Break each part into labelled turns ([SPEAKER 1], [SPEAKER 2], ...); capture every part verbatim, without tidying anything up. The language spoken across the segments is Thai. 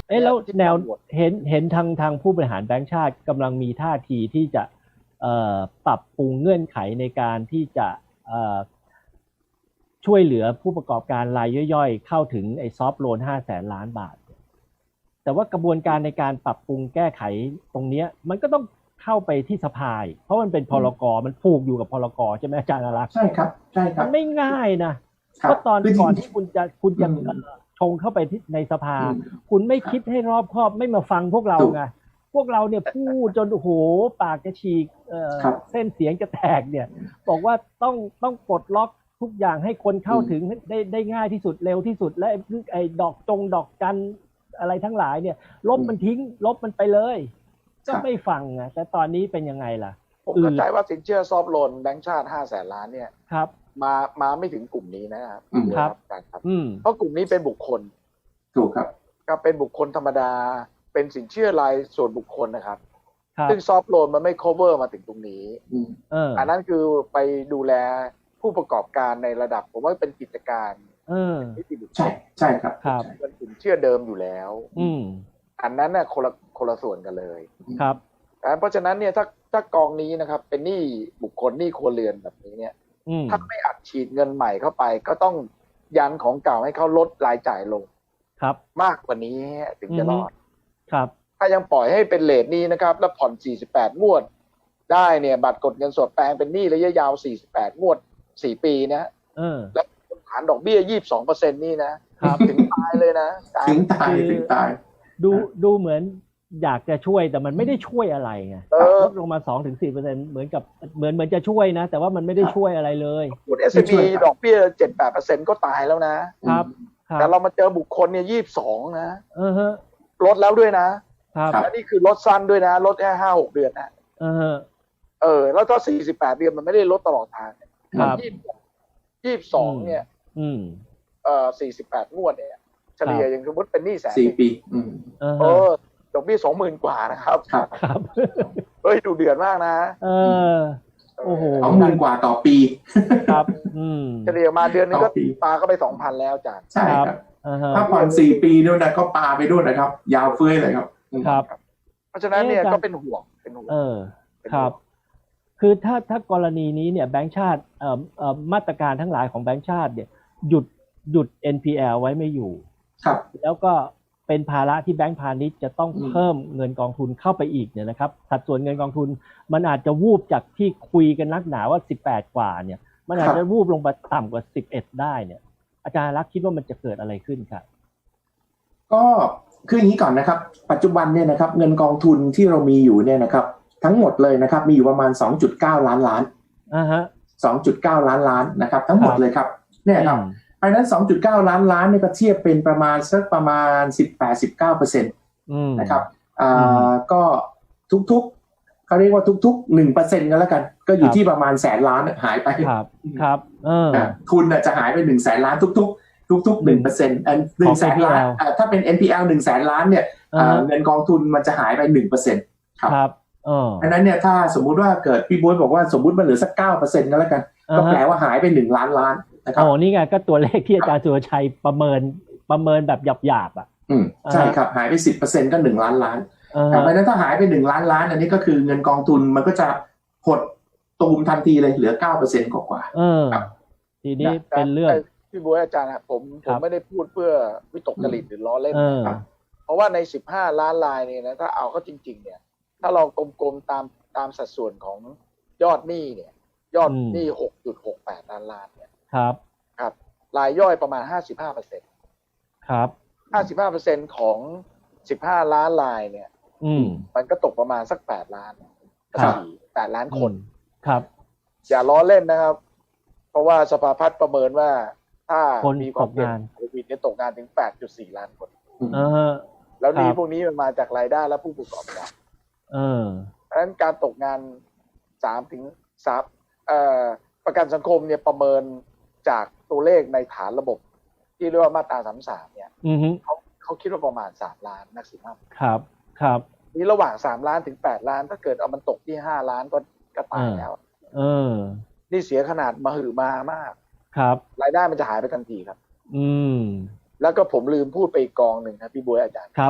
[SPEAKER 1] เอ๊ะแล้วแนวเห็นเห็นทางทางผู้บริหารแบงก์ชาติกำลังมีท่าทีที่จะเอ่อปรับปรุงเงื่อนไขในการที่จะเอ่อช่วยเหลือผู้ประกอบการรายย่อยๆเข้าถึงไอ้ซอฟท์โลนห้าแสนล้านบาทแต่ว่ากระบวนการในการปรับปรุงแก้ไขตรงนี้มันก็ต้องเข้าไปที่สภาเพราะมันเป็นพรกมันผูกอยู่กับพรกใช่ไหมอาจารย์อารักษ์
[SPEAKER 2] ใช่ครับใช่ครับ
[SPEAKER 1] มันไม่ง่ายนะก็ตอนก่อนที่คุณจะคุณจะชงเข้าไปที่ในสภาคุณไม่คิดให้รอบคอบไม่มาฟังพวกเราไงพวกเราเนี่ยพูดจนโอ้โหปากจะฉีกเอ่อเส้นเสียงจะแตกเนี่ยบอกว่าต้องต้องปลดล็อกทุกอย่างให้คนเข้าถึงได้ได้ง่ายที่สุดเร็วที่สุดและไอ้ดอกจงดอกจันอะไรทั้งหลายเนี่ยลบมันทิ้งลบมันไปเลยก็ไม่ฟังไงแต่ตอนนี้เป็นยังไงล่ะ
[SPEAKER 3] ผมเข้าใจว่าสินเชื่อซอฟท์โลนแบงก์ชาติห้าแสนล้านเนี่ย
[SPEAKER 1] ครับ
[SPEAKER 3] มามาไม่ถึงกลุ่มนี้นะครับ
[SPEAKER 1] ครับ
[SPEAKER 3] ครับเพราะกลุ่มนี้เป็นบุคคล
[SPEAKER 2] ถูกครับ
[SPEAKER 3] ก็เป็นบุคคลธรรมดาเป็นสินเชื่อรายส่วนบุคคลนะครับซึ่งซอฟท์โลนมันไม่ cover มาถึงตรงนี้อันนั้นคือไปดูแลผู้ประกอบการในระดับผมว่าเป็นกิจการ
[SPEAKER 1] นิ
[SPEAKER 3] ติบุคคล
[SPEAKER 2] ใช่ใช่ครับ
[SPEAKER 3] เป็นสินเชื่อเดิมอยู่แล้วอันนั้นน่ะคนละคนละส่วนกันเลย
[SPEAKER 1] ครับ
[SPEAKER 3] เพราะฉะนั้นเนี่ยถ้าถ้ากองนี้นะครับเป็นหนี้บุคคลหนี้ครัวเรือนแบบนี้เนี่ยถ้าไม่อัดฉีดเงินใหม่เข้าไปก็ต้องยันของเก่าให้เขาลดรายจ่ายลง
[SPEAKER 1] ครับ
[SPEAKER 3] มากกว่านี้ถึงจะรอด
[SPEAKER 1] ครับ
[SPEAKER 3] ถ้ายังปล่อยให้เป็นเรทนี้นะครับแล้วผ่อนสี่สิบแปดงวดได้เนี่ยบัตรกดเงินสดแปลงเป็นหนี้ระยะยาวสี่สิบแปดงวดสี่ปีนะแล้วฐานดอกเบี้ย ยี่สิบสองเปอร์เซ็นต์ นี่นะครับถึงตายเลยนะ
[SPEAKER 2] ถึงตายถึงตาย
[SPEAKER 1] ดูดูเหมือนอยากจะช่วยแต่มันไม่ได้ช่วยอะไรไงลดลงมา สองถึงสี่เปอร์เซ็นต์ เหมือนกับเหมือนเหมือนจะช่วยนะแต่ว่ามันไม่ได้ช่วยอะไรเลย
[SPEAKER 3] กด เอส เอ็ม อี ดอกเบี้ย เจ็ดถึงแปดเปอร์เซ็นต์ ก็ตายแล้วนะครับแต่เรามาเจอบุคคลเนี่ยยี่สิบสองนะ
[SPEAKER 1] เออฮะ
[SPEAKER 3] ลดแล้วด้วยนะครับและนี่คือลดสั้นด้วยนะลดแค่ ห้าหก เดือนนะ
[SPEAKER 1] เออ
[SPEAKER 3] เออแล้วก็สี่สิบแปดเดือนมันไม่ได้ลดตลอดทาง
[SPEAKER 1] ครับ
[SPEAKER 3] ยี่สิบสองเนี่ย
[SPEAKER 1] อืม
[SPEAKER 3] เอ่อสี่สิบแปดงวดเนี่ยเฉลี่ยอย่างสมมติเป็นหนี้แสน
[SPEAKER 2] สี่ปีอืม
[SPEAKER 3] เออดอกเบี้ย สองหมื่น กว่านะครับ
[SPEAKER 1] ครับ
[SPEAKER 3] เฮ้ยดูเดือดมากนะ
[SPEAKER 1] เออโอ้โห
[SPEAKER 2] สองหมื่น กว่าต่อปี
[SPEAKER 1] ครับอืม
[SPEAKER 3] เฉลี่ยมาเดือนนึงก็ปาเข้าไป สองพัน แล้วจ้ะ
[SPEAKER 2] ใช่ครับถ้าผ่อนสี่ปีด้วยนะก็ปาไปด้วยนะครับยาวเฟ้ยเลยครับ
[SPEAKER 1] ครับ
[SPEAKER 3] เพราะฉะนั้นเนี่ยก็เป็นห่วงเป็นห่วง
[SPEAKER 1] เออครับคือถ้าถ้ากรณีนี้เนี่ยแบงก์ชาติเอ่อเอ่อมาตรการทั้งหลายของแบงก์ชาติเนี่ยหยุดหยุด เอ็น พี แอล ไว้ไม่อยู่
[SPEAKER 2] ครับ
[SPEAKER 1] แล้วก็เป็นภาระที่แบงก์พาณิชย์จะต้องเพิ่มเงินกองทุนเข้าไปอีกเนี่ยนะครับสัดส่วนเงินกองทุนมันอาจจะวูบจากที่คุยกันนักหนาว่าสิบแปดกว่าเนี่ยมันอาจจะวูบลงไปต่ำกว่าสิบเอ็ดได้เนี่ยอาจารย์รักคิดว่ามันจะเกิดอะไรขึ้นครับ
[SPEAKER 2] ก็คืออย่างนี้ก่อนนะครับปัจจุบันเนี่ยนะครับเงินกองทุนที่เรามีอยู่เนี่ยนะครับทั้งหมดเลยนะครับมีอยู่ประมาณ สองจุดเก้า ล้านล้าน
[SPEAKER 1] อ่าฮะ
[SPEAKER 2] สองจุดเก้า ล้านล้านนะครับทั้งหมดเลยครับเนี่ยครับเพราะนั้น สองจุดเก้า ล้านล้านเนี่ยก็เทียบเป็นประมาณสักประมาณ สิบแปด สิบเก้าเปอร์เซ็นต์ นะครับอ่าก็ทุกๆเขาเรียกว่าทุกๆ หนึ่งเปอร์เซ็นต์ กันแล้วกันก็อยู่ที่ประมาณแสนล้านหายไป
[SPEAKER 1] ครับครับเออ
[SPEAKER 2] ทุนจะหายไปหนึ่งแสนล้านทุกๆทุกๆ หนึ่งเปอร์เซ็นต์ อันหนึ่งแสนล้านถ้าเป็น เอ็น พี แอล หนึ่งแสนล้านเนี่ยเงินกองทุนมันจะหายไป หนึ่งเปอร์เซ็นต์
[SPEAKER 1] ครับ
[SPEAKER 2] อันนั้นเนี่ยถ้าสมมุติว่าเกิดพี่บ๊วยบอกว่าสมมุติมันเหลือสัก เก้าเปอร์เซ็นต์ ก็แล้วกันก็แปลว่าหายไปหนึ่งล้านล้านนะครับ
[SPEAKER 1] โอ้นี่ไงก็ตัวเลขที่อาจารย์สุรชัยประเมินประเมินแบบหยาบๆอ่ะ
[SPEAKER 2] อืมใช่ครับหายไป สิบเปอร์เซ็นต์ ก็หนึ่งล้านล้านแต่เพราะนั้นถ้าหายไปหนึ่งล้านล้านอันนี้ก็คือเงินกองทุนมันก็จะหดตูมทันทีเลยเหลือ เก้าเปอร์เซ็นต์ กว่าๆ
[SPEAKER 1] เออทีนี้เป็นเรื่อง
[SPEAKER 3] พี่บ๊วยอาจารย์ผมผมไม่ได้พูดเพื่อวิตกจริตหรือล้อเล่นเพราะว่าในสิบห้าล้านรายนี่นะถ้าเอาเข้าจริงๆเนี่ยถ้าเรากลมๆตามตามสัดส่วนของยอดหนี้เนี่ยยอดหนี้ หกจุดหกแปด ล้านล้านเนี่ย
[SPEAKER 1] ครับ
[SPEAKER 3] ครับรายย่อยประมาณ ห้าสิบห้าเปอร์เซ็นต์
[SPEAKER 1] ครับ
[SPEAKER 3] ห้าสิบห้าเปอร์เซ็นต์ ของสิบห้าล้านรายเนี่ย
[SPEAKER 1] อืม
[SPEAKER 3] มันก็ตกประมาณสักแปดล้าน
[SPEAKER 1] ครับ
[SPEAKER 3] แปดล้านคน
[SPEAKER 1] ครับ
[SPEAKER 3] อย่าล้อเล่นนะครับเพราะว่าสภาพัฒน์ประเมินว่าถ้ามีความเสี่ยงโควิดเนี่ยตกงานถึง แปดจุดสี่ ล้านคน
[SPEAKER 1] เออ
[SPEAKER 3] แล้วนี้พวกนี้มันมาจากรายได้และผู้ประกอบการ
[SPEAKER 1] เออ
[SPEAKER 3] เพราะฉะนั้นการตกงานสามถึงสามเอ่อประกันสังคมเนี่ยประเมินจากตัวเลขในฐานระบบที่เรียกว่ามาตราสามสิบสามเนี่ยเขาเขาคิดว่าประมาณสามล้านนักสินค้า
[SPEAKER 1] ครับครับ
[SPEAKER 3] นี่ระหว่างสามล้านถึงแปดล้านถ้าเกิดเอามันตกที่ห้าล้านก็ก็ตายแล้ว
[SPEAKER 1] เออ
[SPEAKER 3] นี่เสียขนาดมหึมามาก
[SPEAKER 1] ครับ
[SPEAKER 3] รายได้มันจะหายไปทันทีครับ
[SPEAKER 1] อืม
[SPEAKER 3] แล้วก็ผมลืมพูดไปอีกกองหนึ่งครับพี่บ๊วยอาจารย์
[SPEAKER 1] ครับ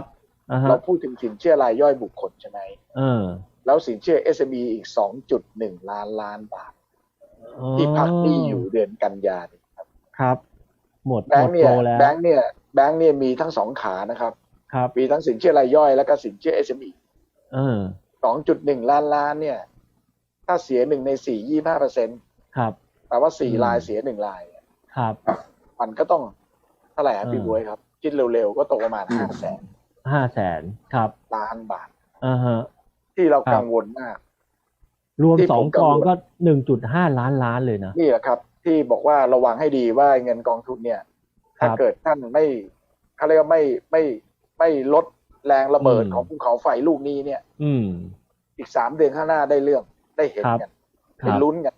[SPEAKER 3] เราพูดถึงสินเชื่อรายย่อยบุคคลใช่ไหม
[SPEAKER 1] เออ
[SPEAKER 3] แล้วสินเชื่อ เอส เอ็ม อี อีก สองจุดหนึ่ง ล้านล้านบาทที่พักหนี้อยู่เดือนกันยายนครับ
[SPEAKER 1] ครับหมด
[SPEAKER 3] แบงค์เนี่ยแบงค์เนี่ยแบงค์เนี่ยมีทั้งสองขานะครับ
[SPEAKER 1] ครับ
[SPEAKER 3] มีทั้งสินเชื่อรายย่อยแล้วก็สินเชื่อ เอส เอ็ม อี
[SPEAKER 1] เออ
[SPEAKER 3] สองจุดหนึ่ง ล้านล้านเนี่ยถ้าเสียหนึ่งในสี่ ยี่สิบห้าเปอร์เซ็นต์
[SPEAKER 1] ครับ
[SPEAKER 3] แปลว่าสี่รายเสียหนึ่งราย
[SPEAKER 1] ครับ
[SPEAKER 3] มันก็ต้องเท่าไหร่ครับพี่บ๊วยครับคิดเร็วๆก็ตกประมาณห้าแสน
[SPEAKER 1] ห้าแสนครับ
[SPEAKER 3] ล้านบาท
[SPEAKER 1] อ่าฮะ
[SPEAKER 3] ที่เรากังวลมาก
[SPEAKER 1] รวมสองกองก็หนึ่งจุดห้าล้านล้านเลยนะ
[SPEAKER 3] นี่แหละครับที่บอกว่าระวังให้ดีว่าเงินกองทุนเนี่ยถ้าเกิดท่านไม่เขาเรียกว่าไม่ไม่ไม่ลดแรงระเบิดของภูเขาไฟลูกนี้เนี่ย
[SPEAKER 1] อืม
[SPEAKER 3] อีกสามเดือนข้างหน้าได้เรื่องได้เห็นกันเป็นลุ้นกัน